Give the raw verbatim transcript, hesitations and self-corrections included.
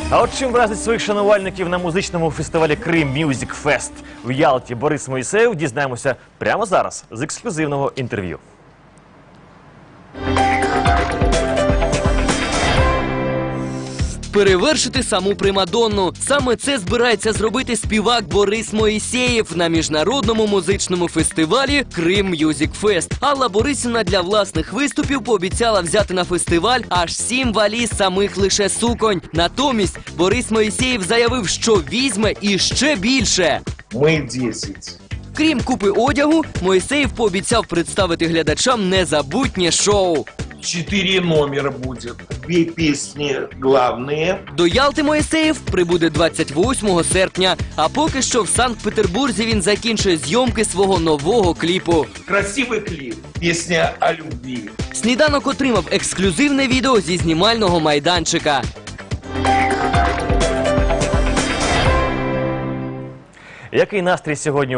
А от чим вразить своїх шанувальників на музичному фестивалі Крим Music Fest в Ялті Борис Моїсеєв, дізнаємося прямо зараз з ексклюзивного інтерв'ю. Перевершити саму примадонну. Саме це збирається зробити співак Борис Моїсеєв на міжнародному музичному фестивалі Крим Music Fest. Алла Борисівна для власних виступів пообіцяла взяти на фестиваль аж сім валіз самих лише суконь. Натомість Борис Моїсеєв заявив, що візьме і ще більше. Ми десять. Крім купи одягу, Моїсеєв пообіцяв представити глядачам незабутнє шоу. Четыре номера будет. Две песни главные. До Ялти Моїсеєв прибуде двадцять восьмого серпня, а поки що в Санкт-Петербурзі він закінчує зйомки свого нового кліпу. Красивый клип. Песня о любви. Сніданок отримав ексклюзивне відео зі знімального майданчика. Який настрій сьогодні